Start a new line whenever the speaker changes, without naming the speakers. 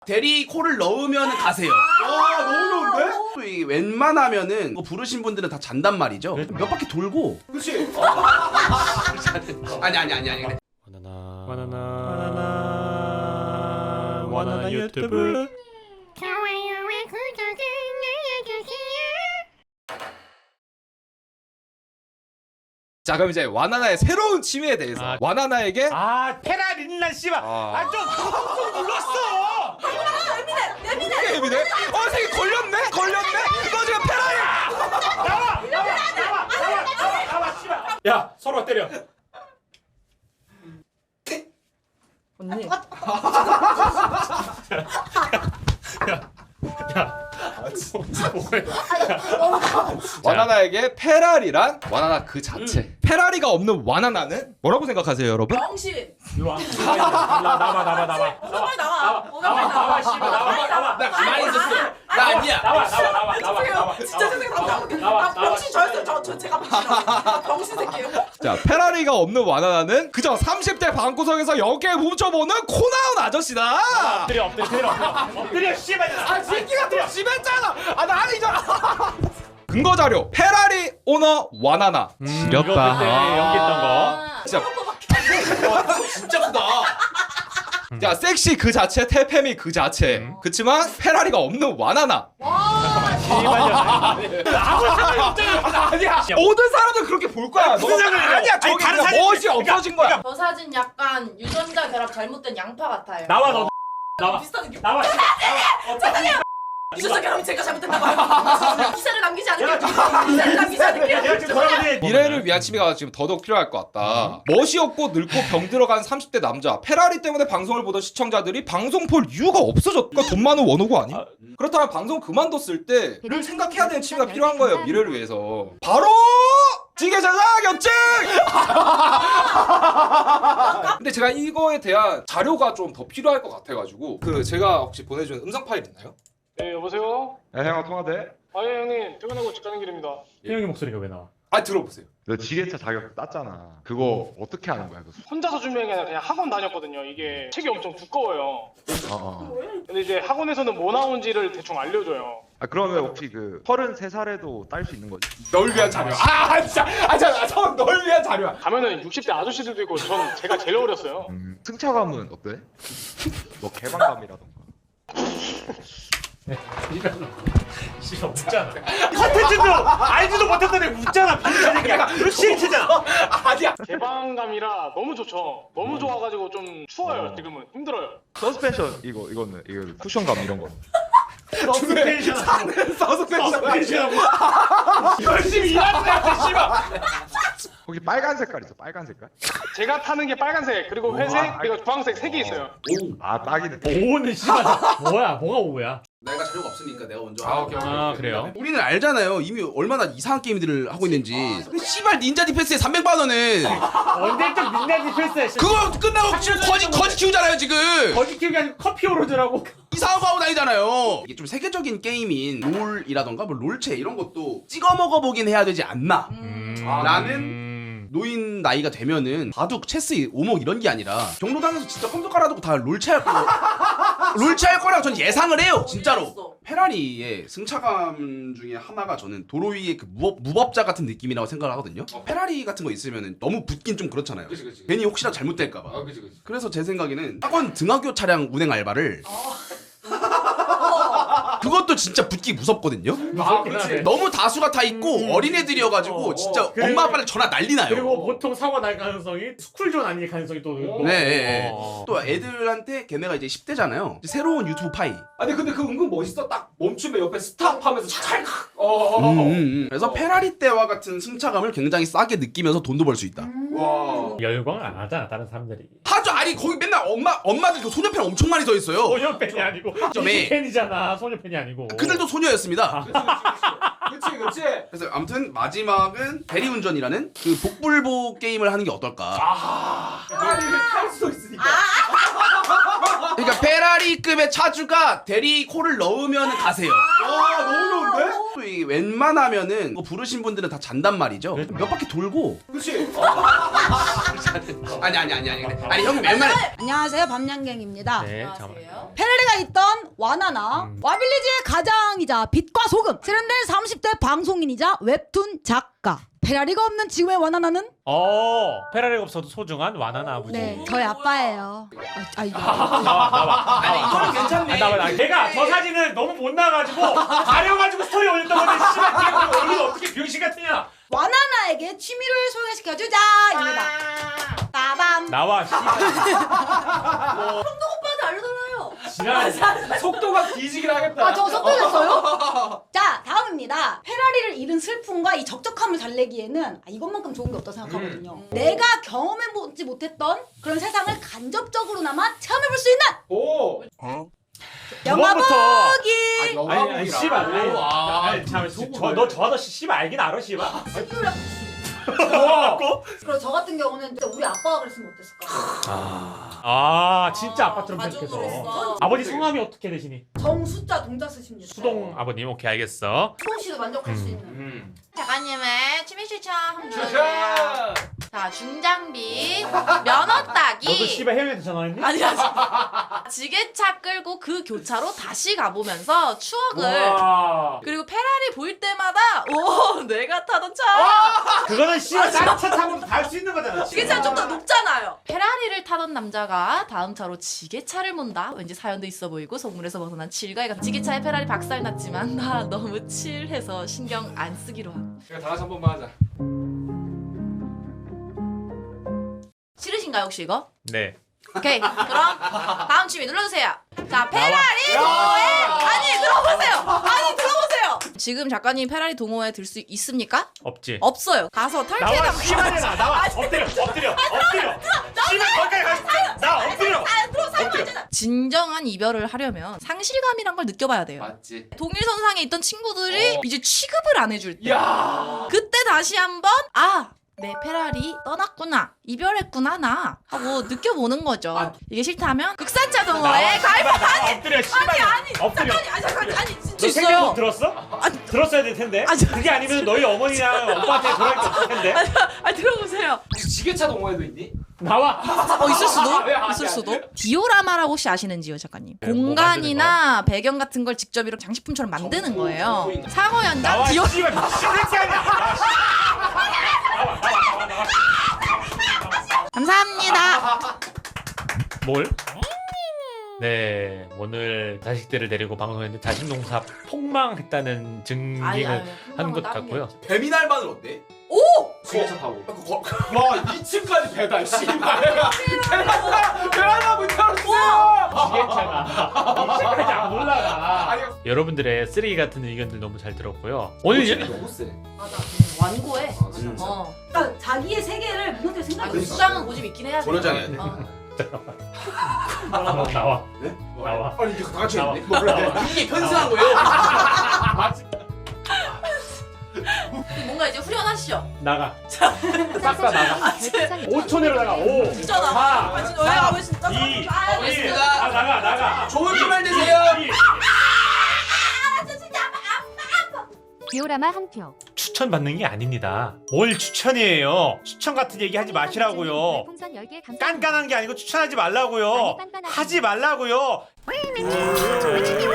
대리 코를 넣으면 가세요.
와 너무 좋은데?
또 이 웬만하면은 이거 부르신 분들은 다 잔단 말이죠. 몇 바퀴 돌고.
그렇지.
아니. 그래.
바나나 유튜브.
좋아요와 구독을 눌러주세요.
자, 그럼 이제 와나나의 새로운 취미에 대해서 와나나에게
페라린란 씨발. 좀 눌렀어.
예민해? 새끼 걸렸네? 너 지금 페라리!
나와 씨발. 야, 서로 때려.
언니.
와나나에게 페라리란 와나나 그 자체. 페라리가 없는 와나나는 뭐라고 생각하세요, 여러분?
병신.
일로 와. 나와.
빨리 나와.
나와 씨발. 나와.
나 가만히 있었어. 나 아니야.
나와.
진짜 세상 나와. 병신 저였어요. 저 제가 병신이라고. 병신 새끼예요.
자, 페라리가 없는 와나나는 그저 30대 방구석에서 영계 훔쳐보는 코나운 아저씨다.
엎드려 씨발.
새끼가 더 심했잖아. 나 아니잖아. 근거 자료. 페라리 오너 와나나.
이거 그때 연기했던 거.
진짜.
진짜 크다.
자, 섹시 그 자체, 태페미 그 자체. 그치만 페라리가 없는 와나나.
아니야.
모든 사람들 그렇게 볼 거야.
무슨 상관이야?
아니야,
아니,
저기
다른
그냥
사람이-
멋이 없어진 거야.
저 사진 약간 유전자 결합 잘못된 양파 같아요.
나와 너. 나와.
비슷한 느낌.
나와.
유전자 결합이 제가 잘못됐다고 하고 기사를 남기지 않을게요. 기사를 남기지 않을게요.
내가 지금 돌아보니
미래를 위한 취미가 지금 더더욱 필요할 것 같다. 멋이 없고 늙고 병 들어간 30대 남자. 페라리 때문에 방송을 보던 시청자들이 방송 볼 이유가 없어졌다. 돈 많은 원호고 아니? 그렇다면 방송 그만뒀을 때를 생각해야 되는 취미가 필요한 거예요. 미래를 위해서. 바로 지게자자 격증! 근데 제가 이거에 대한 자료가 좀 더 필요할 것 같아가지고 제가 혹시 보내준 음성 파일 있나요?
네, 여보세요?
야 형아 통화돼?
아, 예, 형님. 퇴근하고 집 가는 길입니다.
태영이 목소리가 왜 나와?
들어보세요.
너 지게차 자격 땄잖아. 그거 어떻게 하는 거야? 그거?
혼자서 준비한 게 아니라 그냥 학원 다녔거든요. 이게 책이 엄청 두꺼워요. 근데 이제 학원에서는 뭐 나온지를 대충 알려줘요.
그러면 혹시 그 33살에도 딸 수 있는 거지?
널 위한 자료. 진짜. 널 위한 자료야.
가면은 60대 아저씨들도 있고 전 제가 제일 어렸어요.
승차감은 어때? 뭐 개방감이라던가.
씨발 웃잖아. 컨텐츠도 알지도 못했더니 웃잖아. 비슷하니까. 싫잖아.
아니야.
개방감이라 너무 좋죠. 너무 좋아가지고 좀 추워요. 지금은 힘들어요.
서스펜션 이거는 쿠션감 이런 거.
서스펜션.
열심히 일하는 애한테 씨발.
거기 빨간 색깔 있어. 빨간 색깔?
제가 타는 게 빨간색 그리고 회색 그리고 주황색 3개 있어요.
딱이네.
오는 씨발. 뭐야? 뭐가 오야?
내가 자료가 없으니까 내가 먼저.
오케이.
그래요?
우리는 알잖아요. 이미 얼마나 이상한 게임들을 하고 있는지. 근데 씨발 닌자 디펜스에 300만 원은
언제적 민낯이 필수야.
그거 끝나고 지금 거지 키우잖아요 지금.
거기 키우기 아니고 커피 오로드라고.
이상한 거 하고 다니잖아요. 이게 좀 세계적인 게임인 롤이라던가 뭐 롤체 이런 것도 찍어 먹어보긴 해야 되지 않나. 라는 노인 나이가 되면은 바둑, 체스, 오목 이런 게 아니라 경로당에서 진짜 컴퓨터 깔아두고 다 롤체 할 거. 롤체 할 거라고 전 예상을 해요 진짜로. 페라리의 승차감 중에 하나가 저는 도로 위에 그 무법자 같은 느낌이라고 생각을 하거든요. 페라리 같은 거 있으면 너무 붙긴 좀 그렇잖아요.
그치.
괜히 혹시나 잘못될까봐.
그치.
그래서 제 생각에는 학원 등하교 차량 운행 알바를 그것도 진짜 붙기 무섭거든요.
그치.
너무 다수가 다 있고 어린애들이어가지고 진짜
그리고-
엄마 아빠를 전화 난리 나요.
그리고 보통 사고 날 가능성이 스쿨존 아닐 가능성이 또.
네. 또 애들한테 걔네가 이제 10대잖아요. 새로운 유튜브 파이.
아니 근데 그 은근 멋있어. 딱 멈추면 옆에 스탑하면서 찰칵.
그래서 페라리 때와 같은 승차감을 굉장히 싸게 느끼면서 돈도 벌 수 있다.
와.
열광을 안 하잖아 다른 사람들이.
하죠. 아니 거기 맨날 엄마들 그 소녀팬 엄청 많이 서 있어요.
소녀팬이 아니고
점에.
팬이잖아. 소녀팬이 아니고.
그들도 소녀였습니다.
그치.
그래서 아무튼 마지막은 대리운전이라는 그 복불복 게임을 하는 게 어떨까.
페라리를 탈 수도 있으니까.
그러니까 페라리급의 차주가 대리 코를 넣으면 가세요.
와 너무 좋은데?
또 이 웬만하면은 이거 부르신 분들은 다 잔단 말이죠. 몇 바퀴 돌고.
그치.
아니 형님 웬만해.
안녕하세요, 밤양갱입니다.
네, 잠깐만.
안녕하세요.
페라리가 있던 와나나 와빌리지의 가장이자 빛과 소금 세련된 30대 방송인이자 웹툰 작가. 페라리가 없는 지금의 와나나는
페라리가 없어도 소중한 와나나 아버지.
네, 저희 아빠예요. 이거.
나와.
아니 이거는 괜찮네.
나와. 걔가 저 사진을 너무 못 나가지고 가려가지고 스토리 올렸던 건데 씨발 걔가 얼굴이 어떻게 병신 같으냐?
와나나에게 취미를 소개시켜주자입니다. 빠밤.
나와 씨발.
오빠한테 알려달라요.
지랄.
속도가 뒤지긴 하겠다.
저 섞어졌어요? 자, 다음입니다. 페라리를 잃은 슬픔과 이 적적함을 달래기에는 이것만큼 좋은 게 없다고 생각하거든요. 내가 경험해보지 못했던 그런 세상을 간접적으로나마 체험해볼 수 있는
오.
영화
그거부터.
보기!
아니 씨발. 아니 참, 저 아저씨 씨발 알긴 알아 씨발. 뭐하고?
그리고 저 같은 경우는 진짜 우리 아빠가 그랬으면 어땠을까?
진짜 아빠처럼
가족으로서.
생각해서. 아버지 성함이 어떻게 되시니?
정수자 동자 쓰십니다.
수동 아버님. 오케이 알겠어.
수동 씨도 만족할 수 있는.
작가님의 취미 추천 한번 들어주세요. 자, 중장비 면허 따기.
너도 씨발 해외에서 전화했니?
아니야. 지게차 끌고 그 교차로 다시 가보면서 추억을.
와.
그리고 페라리 보일 때마다 오 내가 타던 차.
그거는 씨발 차 타고 갈 수 있는 거잖아.
지게차는 좀 더 높잖아요. 페라리를 타던 남자가 다음 차로 지게차를 몬다. 왠지 사연도 있어 보이고 속물에서 벗어난 칠가이가 지게차에 페라리 박살 났지만 나 너무 칠해서 신경 안 쓰기로 함.
다 같이 한 번만 하자.
싫으신가요 혹시 이거?
네.
오케이 그럼 다음 취미 눌러주세요. 자 페라리 동호회 아니 들어보세요. 지금 작가님 페라리 동호회 들 수 있습니까?
없지.
없어요. 가서
나와
탈퇴당.
씨발이나 나와. 엎드려. 씨발 거기까지 가. 나 엎드려.
진정한 이별을 하려면 상실감이란 걸 느껴봐야 돼요.
맞지.
동일선상에 있던 친구들이 이제 취급을 안 해줄 때
야.
그때 다시 한번 내 페라리 떠났구나 이별했구나 나 하고 느껴보는 거죠. 이게 싫다면 극산차 동호회에 가입하다.
엎드려 씨발. 엎드려.
아니 진짜
너 생명력
있어요.
들었어? 들었어야 될 텐데.
아니,
그게 아니면 너희 어머니랑 오빠한테 돌아갈 게 없을 텐데.
들어보세요.
지게차 동호회도 있니?
나와.
있을 수도
아,
있을 수도. 디오라마라고 혹시 아시는지요 작가님?
네, 뭐
공간이나 배경 같은 걸 직접 이렇게 장식품처럼 만드는 거예요. 상호 현장
나와
디오.
씨발 미친새끼 아니야.
감사합니다.
뭘? 네, 오늘 자식들을 데리고 방송했는데 자식농사 폭망했다는 증빙을 하는 것 같고요.
배민알바는 어때?
지게차 타고.
와 2층까지 배달 씨발. 베란다 문 열었어.
지게차가 이제까지 안 올라가. 여러분들의 쓰레기 같은 의견들 너무 잘 들었고요. 오늘 이제
너무 세.
완고해.
진짜.
그러니까 자기의 세계를 무너뜨릴 생각이 있어.
수장은 고집 있긴 해야 돼.
번호장이야 돼.
나와.
네?
나와.
아니 이게 다 같이
나와.
했네. 몰라. 이게 편승한 거예요.
뭔가 이제 후련하시죠?
나가. 싹 다 나가. 5초 내로 나가. 5,
진짜 나.
4,
진짜 왜 아버지 진짜
2,
알겠습니다.
나가.
좋은 주말 되세요.
디오라마 한 표.
추천 받는 게 아닙니다. 뭘 추천이에요? 추천 같은 얘기 하지 마시라고요.
풍선 10개 감사합니다.
깐깐한 게 아니고 추천하지 말라고요.
많이 깐깐하시네.
하지 말라고요.